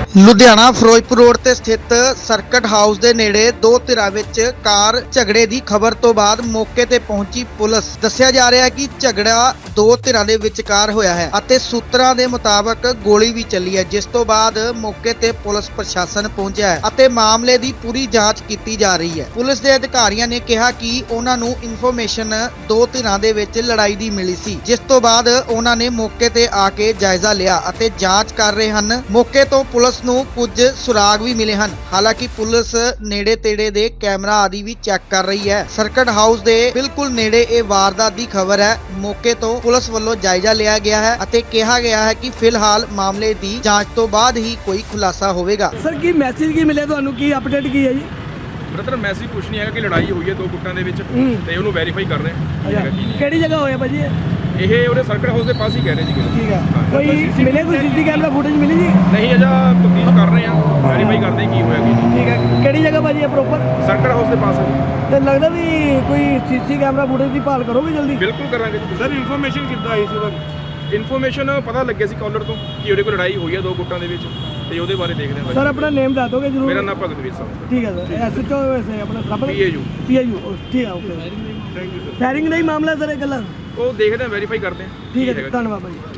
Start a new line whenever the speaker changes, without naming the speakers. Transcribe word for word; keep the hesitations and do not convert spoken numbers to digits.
Ludhiana Firozpur road ਤੇ ਸਥਿਤ circuit house ਦੇ ਨੇੜੇ ਦੋ ਧਿਰਾਂ ਵਿੱਚ ਕਾਰ ਝਗੜੇ ਦੀ ਖਬਰ ਤੋਂ ਬਾਅਦ ਮੌਕੇ ਤੇ ਪਹੁੰਚੀ ਪੁਲਿਸ। ਦੱਸਿਆ ਜਾ ਰਿਹਾ ਹੈ ਕਿ ਝਗੜਾ ਦੋ ਧਿਰਾਂ ਦੇ ਵਿਚਕਾਰ ਹੋਇਆ ਹੈ ਅਤੇ ਸੂਤਰਾਂ ਦੇ ਮੁਤਾਬਕ ਗੋਲੀ ਵੀ ਚੱਲੀ ਹੈ, ਜਿਸ ਤੋਂ ਬਾਅਦ ਮੌਕੇ ਤੇ ਪੁਲਿਸ ਪ੍ਰਸ਼ਾਸਨ ਪਹੁੰਚਿਆ ਹੈ ਅਤੇ ਮਾਮਲੇ ਦੀ ਪੂਰੀ ਜਾਂਚ ਕੀਤੀ ਜਾ ਰਹੀ ਹੈ। ਪੁਲਿਸ ਦੇ ਅਧਿਕਾਰੀਆਂ ਨੇ ਕਿਹਾ ਕਿ ਉਹਨਾਂ ਨੂੰ ਇਨਫੋਰਮੇਸ਼ਨ ਦੋ ਧਿਰਾਂ ਦੇ ਵਿੱਚ ਲੜਾਈ ਦੀ ਮਿਲੀ ਸੀ, ਜਿਸ ਤੋਂ ਬਾਅਦ ਉਹਨਾਂ ਨੇ ਮੌਕੇ ਤੇ ਆ ਕੇ ਜਾਇਜ਼ਾ ਲਿਆ ਅਤੇ ਜਾਂਚ ਕਰ ਰਹੇ ਹਨ। ਮੌਕੇ ਤੋਂ ਪੁਲਿਸ ਨੂੰ ਕੁਝ ਸੁਰਾਗ ਵੀ ਮਿਲੇ ਹਨ। ਹਾਲਾਂਕਿ ਪੁਲਿਸ ਨੇੜੇ ਤੇੜੇ ਦੇ ਕੈਮਰਾ ਆਦਿ ਵੀ ਚੈੱਕ ਕਰ ਰਹੀ ਹੈ। ਸਰਕਟ ਹਾਊਸ ਦੇ ਬਿਲਕੁਲ ਨੇੜੇ ਇਹ ਵਾਰਦਾਤ ਦੀ ਖਬਰ ਹੈ। ਮੌਕੇ ਤੋਂ ਪੁਲਿਸ ਵੱਲੋਂ ਜਾਇਜ਼ਾ ਲਿਆ ਗਿਆ ਹੈ ਅਤੇ ਕਿਹਾ ਗਿਆ ਹੈ ਕਿ ਫਿਲਹਾਲ ਮਾਮਲੇ ਦੀ ਜਾਂਚ ਤੋਂ ਬਾਅਦ ਹੀ ਕੋਈ ਖੁਲਾਸਾ ਹੋਵੇਗਾ।
ਸਰ ਕੀ ਮੈਸੇਜ ਕੀ ਮਿਲਿਆ ਤੁਹਾਨੂੰ, ਕੀ ਅਪਡੇਟ ਕੀ ਹੈ ਜੀ?
ਬ੍ਰਦਰ ਮੈਸੇਜ ਕੁਛ ਨਹੀਂ ਹੈਗਾ ਕਿ ਲੜਾਈ ਹੋਈ ਹੈ ਦੋ ਗੁੱਟਾਂ ਦੇ ਵਿੱਚ ਤੇ ਉਹਨੂੰ ਵੈਰੀਫਾਈ ਕਰ ਰਹੇ ਹਾਂ।
ਅੱਛਾ, ਕਿਹੜੀ ਜਗ੍ਹਾ ਹੋਇਆ ਭਾਜੀ ਇਹ?
ਇਹ ਉਹਦੇ ਸਰਕਟ ਹਾਊਸ ਦੇ ਪਾਸ ਹੀ ਕਹਿ ਰਹੇ ਜੀ ਕਿ
ਠੀਕ ਹੈ, ਕੋਈ ਮਿਲੇ ਕੋਈ ਸੀਸੀ ਕੈਮਰਾ ਫੁਟੇਜ ਮਿਲੀ ਜੀ?
ਨਹੀਂ ਅਜਾ ਤਫਤੀਸ਼ ਕਰ ਰਹੇ ਹਾਂ, ਵੈਰੀਫਾਈ ਕਰਦੇ ਹਾਂ ਕੀ ਹੋਇਆ ਕੀ ਨਹੀਂ।
ਠੀਕ ਹੈ, ਕਿਹੜੀ ਜਗ੍ਹਾ ਭਾਜੀ ਇਹ ਪ੍ਰੋਪਰ?
ਸਰਕਟ ਹਾਊਸ ਦੇ ਪਾਸ ਹੈ ਜੀ।
ਤੇ ਲੱਗਦਾ ਵੀ ਕੋਈ ਸੀਸੀ ਕੈਮਰਾ ਫੁਟੇਜ ਦੀ ਭਾਲ ਕਰੋਗੇ ਜਲਦੀ?
ਬਿਲਕੁਲ ਕਰਾਂਗੇ ਜੀ।
ਸਰ ਇਨਫੋਰਮੇਸ਼ਨ ਕਿੱਦਾਂ ਆਈ ਸੀ ਉਹਦਾ?
ਇਨਫੋਰਮੇਸ਼ਨ ਪਤਾ ਲੱਗਿਆ ਸੀ ਕਾਲਰ ਤੋਂ ਕਿ ਉਹਦੇ ਕੋਲ ਲੜਾਈ ਹੋਈ ਹੈ ਦੋ ਗੁੱਟਾਂ ਦੇ ਵਿੱਚ ਤੇ ਉਹਦੇ ਬਾਰੇ ਦੇਖਦੇ ਹਾਂ।
ਸਰ ਆਪਣਾ ਨੇਮ ਦੱਸ ਦੋਗੇ ਜਰੂਰ?
ਮੇਰਾ ਨਾਮ ਭਗਤਵੀਰ ਸਾਹਿਬ।
ਠੀਕ ਹੈ ਸਰ, ਐਸਐਚਓ ਵੈਸੇ ਆਪਣਾ ਸਭ
ਪੀਏਯੂ
ਪੀਏਯੂ ਠੀਕ ਹੈ, okay.
Thank you sir.
Firing ਦਾ ਹੀ ਮਾਮਲਾ ਸਰ ਇਹ ਗੱਲਾਂ?
ਉਹ ਦੇਖਦੇ ਹਾਂ, ਵੈਰੀਫਾਈ ਕਰਦੇ ਹਾਂ।
ਠੀਕ ਹੈ, ਧੰਨਵਾਦ ਭਾਜੀ।